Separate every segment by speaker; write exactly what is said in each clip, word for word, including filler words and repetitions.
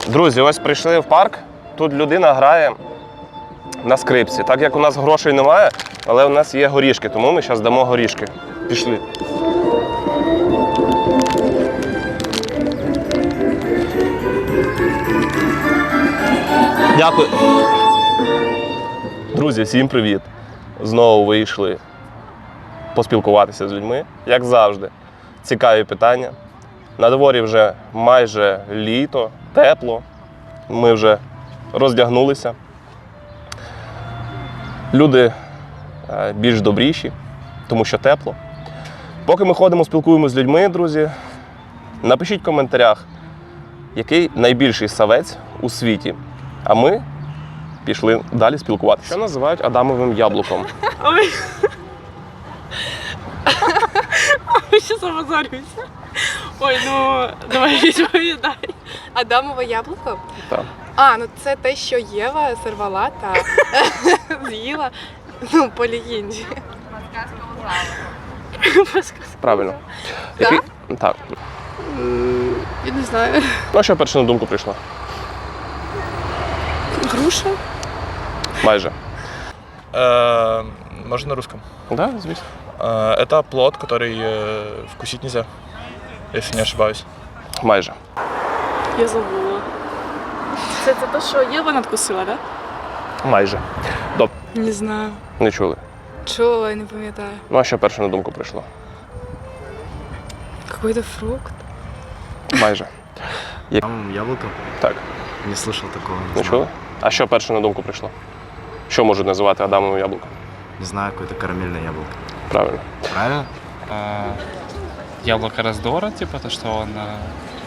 Speaker 1: Друзі, ось прийшли в парк. Тут людина грає на скрипці. Так як у нас грошей немає, але у нас є горішки, тому ми зараз дамо горішки. Пішли. Дякую. Друзі, всім привіт. Знову вийшли поспілкуватися з людьми, як завжди. Цікаві питання. На дворі вже майже літо, тепло. Ми вже роздягнулися. Люди більш добріші, тому що тепло. Поки ми ходимо, спілкуємося з людьми, друзі, напишіть в коментарях, який найбільший савець у світі. А ми пішли далі спілкуватися. Що називають Адамовим яблуком?
Speaker 2: Ой. Ой, сейчас обозорюся. Ой, ну, давай відповідай.
Speaker 3: Адамове яблуко?
Speaker 1: Так.
Speaker 3: А, ну це те, що Єва сорвала та з'їла, ну, по легенді.
Speaker 1: Правильно. Який? Так.
Speaker 3: Я не знаю.
Speaker 1: Ну, а що перше на думку прийшло?
Speaker 3: Груша?
Speaker 1: Майже.
Speaker 4: Э, Можно на русском?
Speaker 1: Да, звісно.
Speaker 4: Э, Это плод, который э, вкусить нельзя, если не ошибаюсь.
Speaker 1: Майже.
Speaker 2: Я забула. Це, це те, що Єва надкусила, так?
Speaker 1: Майже. Добре.
Speaker 3: Не знаю.
Speaker 1: Не чули.
Speaker 3: Чула, я не пам'ятаю.
Speaker 1: Ну, а що перше на думку прийшло?
Speaker 3: Какой-то фрукт.
Speaker 1: Майже. Як...
Speaker 5: Там яблоко?
Speaker 1: Так.
Speaker 5: Не слышал такого. Не,
Speaker 1: Не
Speaker 5: знаю.
Speaker 1: чули? А що перше на думку прийшло? Що можуть називати Адамовим яблуком?
Speaker 5: Не знаю, какое-то карамельное яблоко.
Speaker 1: Правильно.
Speaker 5: Правильно?
Speaker 6: А, яблоко раздора, типа то, что он... а,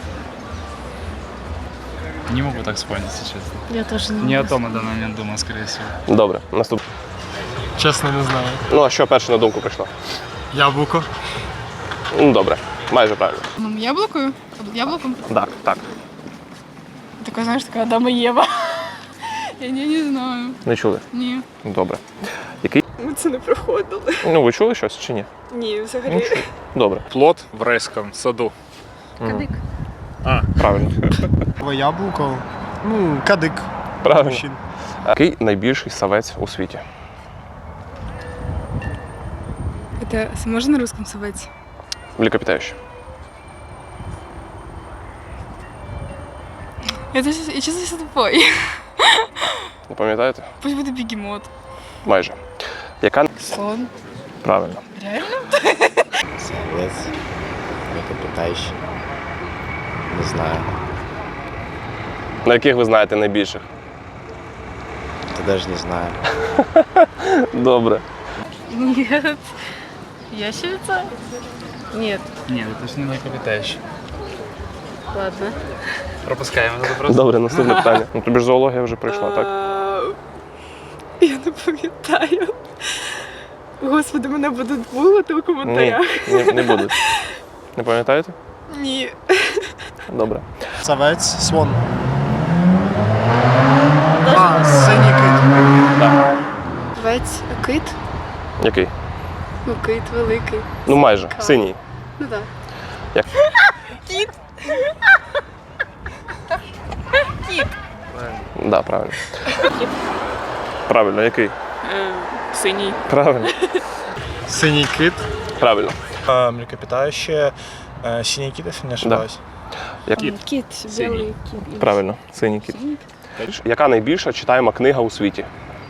Speaker 6: Не могу так вспомнить, если честно.
Speaker 2: Я теж не
Speaker 6: Не о том на данный момент думал, скорее всего.
Speaker 1: Добре. Наступне.
Speaker 4: Честно, не знаю.
Speaker 1: Ну, а що перше на думку прийшло?
Speaker 4: Яблоко.
Speaker 1: Ну, добре. Майже правильно.
Speaker 7: Яблокою? Яблоком?
Speaker 1: Так, так.
Speaker 7: Така, знаєш, така Адама і Єва. Я не, не знаю.
Speaker 1: Не чули?
Speaker 7: Ні.
Speaker 1: Добре. Який?
Speaker 3: Ми це не проходили.
Speaker 1: Ну, ви чули щось чи ні?
Speaker 3: Ні,
Speaker 1: Ну,
Speaker 3: взагалі.
Speaker 1: чули. Добре.
Speaker 8: Плод в райском саду.
Speaker 1: Кадик. А, правильно.
Speaker 4: Яблоко. Ну, кадик.
Speaker 1: Правильно. А який найбільший савець у світі?
Speaker 7: Это можно на русском совать?
Speaker 1: Млекопитающий.
Speaker 7: Это я честно тупой.
Speaker 1: Не пам'ятаєте?
Speaker 7: Пусть буде бегемот.
Speaker 1: Майже. Яка?
Speaker 7: Слон.
Speaker 1: Правильно.
Speaker 7: Реально?
Speaker 5: Совет. Млекопитающий. Не знаю.
Speaker 1: На яких ви знаєте найбільших?
Speaker 5: Это даже не знаю.
Speaker 1: Добре.
Speaker 2: Нет. Ящерица? Нет.
Speaker 6: Нет, это же не млекопитающий.
Speaker 2: Ладно.
Speaker 6: Пропускаем этот вопрос.
Speaker 1: Добре, наступне питання. Ну, тобі ж зоологія вже прийшла, так?
Speaker 3: Я не пам'ятаю. Господи, мене будуть булити у коментарях.
Speaker 1: Ні, не, не будуть. Не пам'ятаєте?
Speaker 3: Ні.
Speaker 1: Добре.
Speaker 4: Савець, слон. А, синій кит.
Speaker 1: Так.
Speaker 3: Овець, кит?
Speaker 1: Який?
Speaker 3: Ну, кит великий.
Speaker 1: Ну, майже. Синій.
Speaker 3: Ну так.
Speaker 1: Як?
Speaker 3: Кіт.
Speaker 1: Да, правильно. Правильно, який?
Speaker 2: Синій.
Speaker 1: Правильно.
Speaker 4: Синій кит.
Speaker 1: Правильно.
Speaker 4: А, млекопитающее. Э, Синий кит, если не ошибаюсь.
Speaker 1: Який?
Speaker 2: Кіт, білий кіт.
Speaker 1: Правильно, синій кіт. Яка найбільша читаєма книга у світі?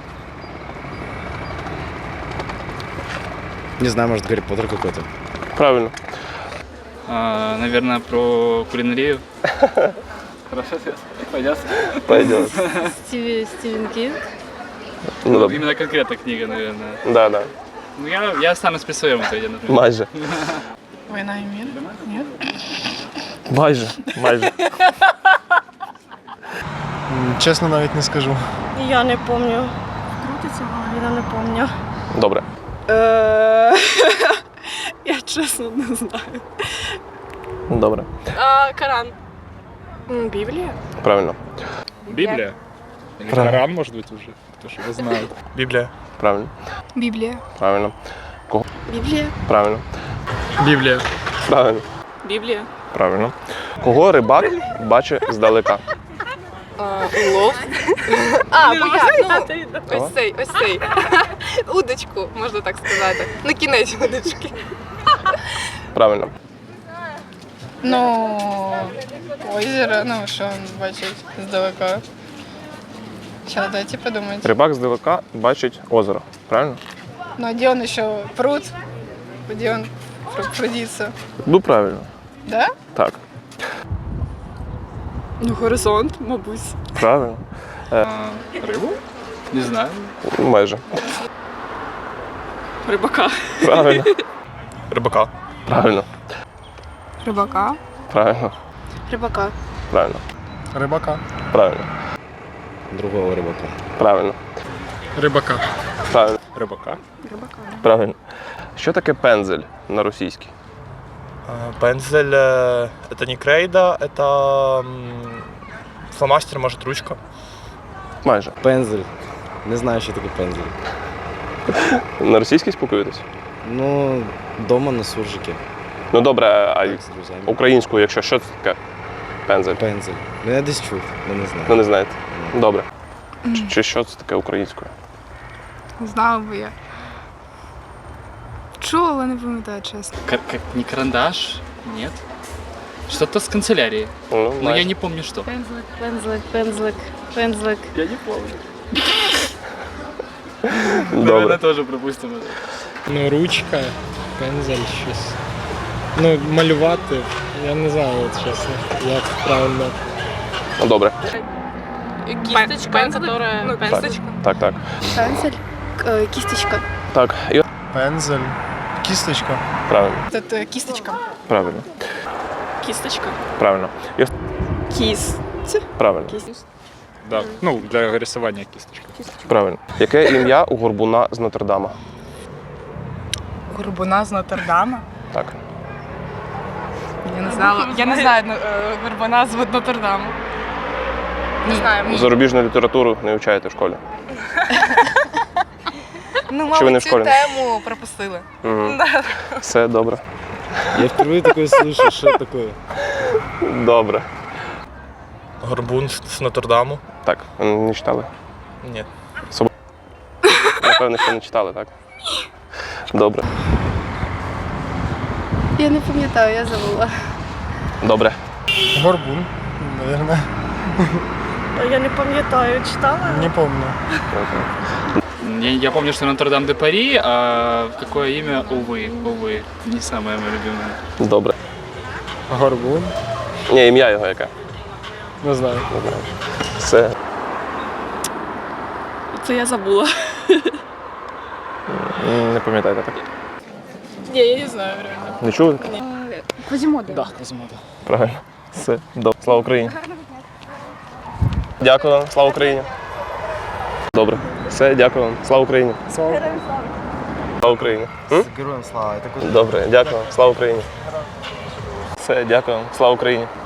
Speaker 5: Не знаю, может, Гарри Поттер какой-то.
Speaker 1: Правильно.
Speaker 6: А, наверное, про кулинарию. Хорошо, пойдет.
Speaker 1: Пойдет.
Speaker 2: Стіві, Стівен Кінг.
Speaker 1: Ну, добре.
Speaker 6: Именно конкретно книга, наверное.
Speaker 1: Да, да.
Speaker 6: Ну, я, я останусь при своем итоге, например.
Speaker 1: Майже.
Speaker 7: Война и мир? Нет?
Speaker 1: Майже. Майже.
Speaker 4: Чесно, навіть не скажу.
Speaker 2: Я не пам'ятаю. Крутиться, я не пам'ятаю.
Speaker 1: Добре.
Speaker 3: Я чесно не знаю.
Speaker 1: Добре.
Speaker 3: А, Коран. М, Біблія?
Speaker 1: Правильно.
Speaker 8: Библия? Или
Speaker 1: Правильно.
Speaker 8: Коран, может быть, уже? Кто ж его знает.
Speaker 4: Біблія.
Speaker 1: Правильно.
Speaker 7: Библия.
Speaker 1: Правильно.
Speaker 3: Біблія?
Speaker 1: Правильно.
Speaker 4: Біблія.
Speaker 1: Правильно.
Speaker 2: Біблія.
Speaker 1: Правильно. Кого рибак бачить здалека?
Speaker 3: А, улов. А, бо я, ну, ось цей, ось цей. Удочку, можна так сказати. На кінець удочки.
Speaker 1: Правильно.
Speaker 7: Ну, озеро, ну, що він бачить здалека. Сейчас, дайте подумать.
Speaker 1: Рибак здалека бачить озеро. Правильно?
Speaker 7: Ну, а где он еще? Пруд? Где он пр- прудится?
Speaker 1: Ну, правильно.
Speaker 7: Да?
Speaker 1: Так.
Speaker 2: Ну, горизонт, мабуть.
Speaker 1: Правильно.
Speaker 8: Рыбу? Не знаю.
Speaker 1: Ну, майже.
Speaker 2: Рибака.
Speaker 1: Правильно.
Speaker 4: Рыбака.
Speaker 1: Правильно.
Speaker 7: Рыбака.
Speaker 1: Правильно.
Speaker 7: Рыбака.
Speaker 1: Правильно.
Speaker 8: Рыбака.
Speaker 1: Правильно.
Speaker 5: Другого рыбака.
Speaker 1: Правильно.
Speaker 8: Рыбака.
Speaker 1: Правильно.
Speaker 8: Рыбака.
Speaker 1: Правильно. Що таке пензель на російській?
Speaker 4: А, Пензель э, это не крейда, это м, фломастер, может, ручка.
Speaker 1: Майже.
Speaker 5: Пензель. Не знаю, що таке пензель.
Speaker 1: На російській спілкуєтесь?
Speaker 5: Ну, дома на суржике.
Speaker 1: Ну добре, а
Speaker 5: Так, з друзями.
Speaker 1: українською, якщо що це таке? Пензель.
Speaker 5: Пензель. Ну я десь чув, але не знаю.
Speaker 1: Ну не знаєте. Добре. Чи, чи що це таке українською?
Speaker 7: Знала би я. Чула, але не пам'ятаю, чесно.
Speaker 6: Как, как не карандаш? Нет? Что-то с канцелярии.
Speaker 1: Ну,
Speaker 6: Но я
Speaker 1: майже.
Speaker 6: не помню, что.
Speaker 2: Пензлик, пензлик, пензлик, пензлик.
Speaker 1: Добре.
Speaker 6: тоже пропустим.
Speaker 9: Ну, ручка, пензель, щось. Ну, малювати, я не знаю, от чесно, як правильно.
Speaker 1: Ну, добре.
Speaker 2: Кисточка,
Speaker 3: Пензлик?
Speaker 2: которая...
Speaker 3: Ну,
Speaker 2: пензлик.
Speaker 3: кісточка.
Speaker 1: Так, так.
Speaker 7: Пензель, э, кисточка.
Speaker 1: Так. І от-
Speaker 9: Пензель, кісточка.
Speaker 1: правильно.
Speaker 7: Это э, кисточка.
Speaker 1: Правильно.
Speaker 2: Кисточка.
Speaker 1: Правильно. І от-
Speaker 2: Кисть.
Speaker 1: правильно.
Speaker 2: Кисть.
Speaker 8: Да. Ну, для рисования кисточка.
Speaker 1: Правильно. Яке ім'я у горбуна з Нотр-Дама?
Speaker 3: Горбуна з Нотр-Дама.
Speaker 1: Так.
Speaker 3: Я не знала. Я не знаю е, горбуна з Нотр-Даму. Не знаю.
Speaker 1: Зарубіжну літературу не вивчаєте в школі.
Speaker 3: Ну,
Speaker 1: Чи ви не
Speaker 3: мабуть,
Speaker 1: в
Speaker 3: цю
Speaker 1: школі?
Speaker 3: тему пропустили.
Speaker 1: Угу. Все добре.
Speaker 5: Я впервые такое слышу, що таке.
Speaker 1: Добре.
Speaker 4: Горбун с с Нотр-Даму.
Speaker 1: Так, ви не читали?
Speaker 4: Нет.
Speaker 1: Напевно, що не читали, так? Добре.
Speaker 7: Я не пам'ятаю, я забула.
Speaker 1: Добре.
Speaker 9: Горбун, наверное.
Speaker 2: Я не пам'ятаю, читала?
Speaker 9: Не помню.
Speaker 6: Я, я помню, что Нотр-Дам-де-Пари, а какое имя, увы, увы, не самое мое любимое.
Speaker 1: Добре.
Speaker 9: Горбун,
Speaker 1: Ні, ім'я його яке?
Speaker 9: не знаю.
Speaker 1: Не знаю. Все.
Speaker 2: Це я забула.
Speaker 1: Не пам'ятаєте так?
Speaker 7: Не, я не знаю, реально.
Speaker 1: Не чули?
Speaker 7: Квазімода.
Speaker 6: Да, Квазимода.
Speaker 1: Правильно. Все. Добре. Слава Україні. Дякую вам. Слава Україні. Добре. Все, дякую вам. Слава Україні.
Speaker 9: Слава.
Speaker 1: Слава Україні. М?
Speaker 5: Героям слава.
Speaker 1: Добре, дякую вам. Слава Україні. Все, дякую вам. Слава Україні.